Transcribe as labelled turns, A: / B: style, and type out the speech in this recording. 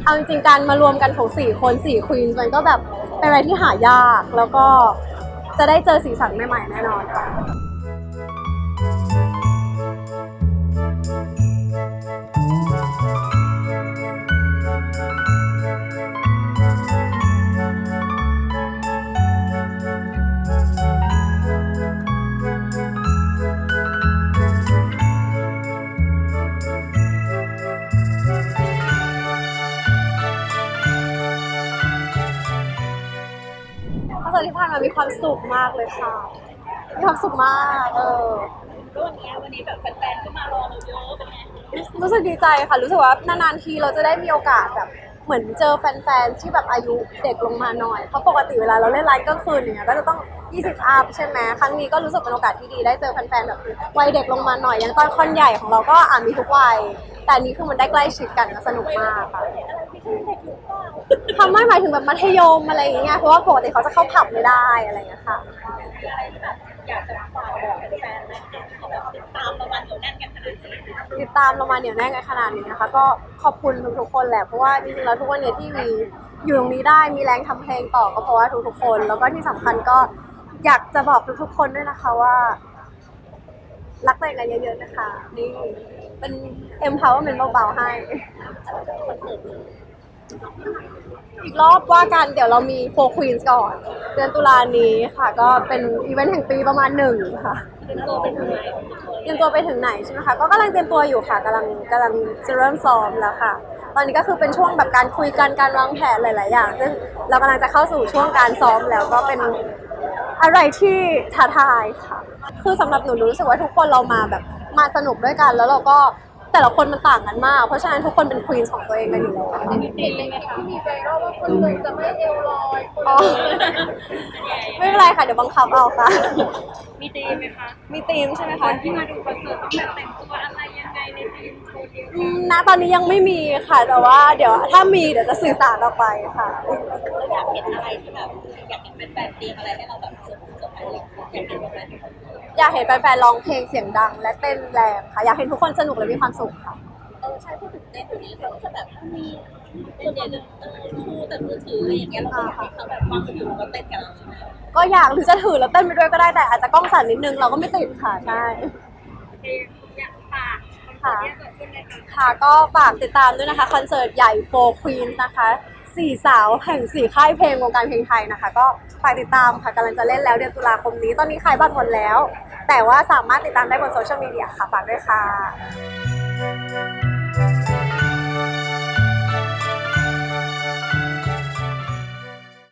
A: เอาจริงๆการมารวมกันของ4คน4ควีนมันก็แบบเป็นอะไรที่หายากแล้วก็จะได้เจอสีสันใหม่ๆแน่นอนค่ะคอนเสิร์ตที่ผ่านมามีความสุขมากเลยค่ะมีความสุขมาก
B: แล้ววันนี้แบบแฟนๆก็มารอเราเยอะเป็นไง
A: รู้สึกดีใจค่ะรู้สึกว่านานๆทีเราจะได้มีโอกาสแบบเหมือนเจอแฟนๆที่แบบอายุเด็กลงมาหน่อยเพราะปกติเวลาเราเล่นไลฟ์กลางคืนอย่างเงี้ยก็จะต้อง20อัพใช่ไหมครั้งนี้ก็รู้สึกเป็นโอกาสที่ดีได้เจอแฟนๆแบบวัยเด็กลงมาหน่อยอย่างตอนคอนใหญ่ของเราก็มีทุกวัยแต่อันนี้คือมันได้ใกล้ชิดกันสนุกมากค่ะทำไม่หมายถึงแบบมัธยมอะไรอย่างเงี้ยเพราะว่าปกติเขาจะเข้าผับไม่ได้อะไรอย่างเงี้ยค่ะ
B: มีอะไรที่แบบอยากจะฝากบอกแฟนๆไหมที่แบบติดตามเรามาเหนียวแน่นกันขนาดนี้
A: ติดตามเรามาเหนียวแน่นกันขนาดนี้นะคะก็ขอบคุณทุกๆคนแหละเพราะว่าจริงๆแล้วทุกวันนี้ที่มีอยู่ตรงนี้ได้มีแรงทำเพลงต่อก็เพราะว่าทุกๆคนแล้วก็ที่สำคัญก็อยากจะบอกทุกๆคนด้วยนะคะว่ารักตัวเองกันเยอะๆนะคะนี่เป็น empowerment เบาๆให้อีกรอบว่ากันเดี๋ยวเรามี4 Queens ก่อนเดือนตุลานี้ค่ะก็เป็นอีเวนต์แห่งปีประมาณ1ค่ะ
B: เตรียมตัวเป็นยังไง
A: เตรียมตัวไปถึงไหนใช่ไหมคะก็กำลังเตรียมตัวอยู่ค่ะกำลังจะเริ่มซ้อมแล้วค่ะตอนนี้ก็คือเป็นช่วงแบบการคุยกันการวางแผนหลายๆอย่างซึ่งเรากำลังจะเข้าสู่ช่วงการซ้อมแล้วก็เป็นอะไรที่ท้าทายค่ะคือสำหรับหนูรู้สึกว่าทุกคนเรามาแบบมาสนุกด้วยกันแล้วเราก็แต่ละคนมันต่างกันมากเพราะฉะนั้นทุกคนเป็นควีนของตัวเองกันอยู่แล้ว
B: มีธีมไหมคะ
C: มีไวรัลว่าคนหนึ่งจะไม่เอวลอยคน
A: อ๋อไม่เป็นไรค่ะเดี๋ยวบังคับเอาค่ะ
B: มีธีมไหมคะ
A: มีธีมใช่ไหม
B: ค
A: คะ
B: นที่มาดูคอนเสิร์ตต้องแบบแต่งตัวอะไรยังไงในธีมโชว์เดียวกัน
A: ณตอนนี้ยังไม่มีค่ะแต่ว่าเดี๋ยวถ้ามีเดี๋ยวจะสื่อสารออกไปค่ะ
B: เราอยากเห็นอะไรที่แบบอยากเห็นเป็นแฟนธีมอะไรให้เราแบบเซอร์ไพรส์อยากเห็นแบบนั้น
A: อยากเห็นแฟนๆร้องเพลงเสียงดังและเต้นแรงค่ะอยากเห็นทุกคนสนุกและมีความสุขค่ะ
B: ใช่พูดถึงเต้นอยู่นี้เขาจะแบบมีส่วนใหญ่จะชูแต่มือถืออะไรอย่างเงี้ยเราก็อยากให้เขาแบบวางอยู่ก็เต้นกับเราใช่ไหม
A: ก็อยากหรือจะถือแล้วเต้นไปด้วยก็ได้แต่อาจจะกล้องสั่นนิดนึงเราก็ไม่ติดค่ะใช่
B: อยากฝาก
A: ค่ะค่ะก็ฝากติดตามด้วยนะคะคอนเสิร์ตใหญ่4 Queens นะคะ4 สาวแห่ง4 ค่ายเพลงวงการเพลงไทยนะคะก็ฝากติดตามค่ะกำลังจะเล่นแล้วเดือนตุลาคมนี้ตอนนี้ขายบัตรหมดแล้วแต่ว่าสามารถติดตามได้บนโซเชียลมีเดียค่ะฝากด้วยค่ะ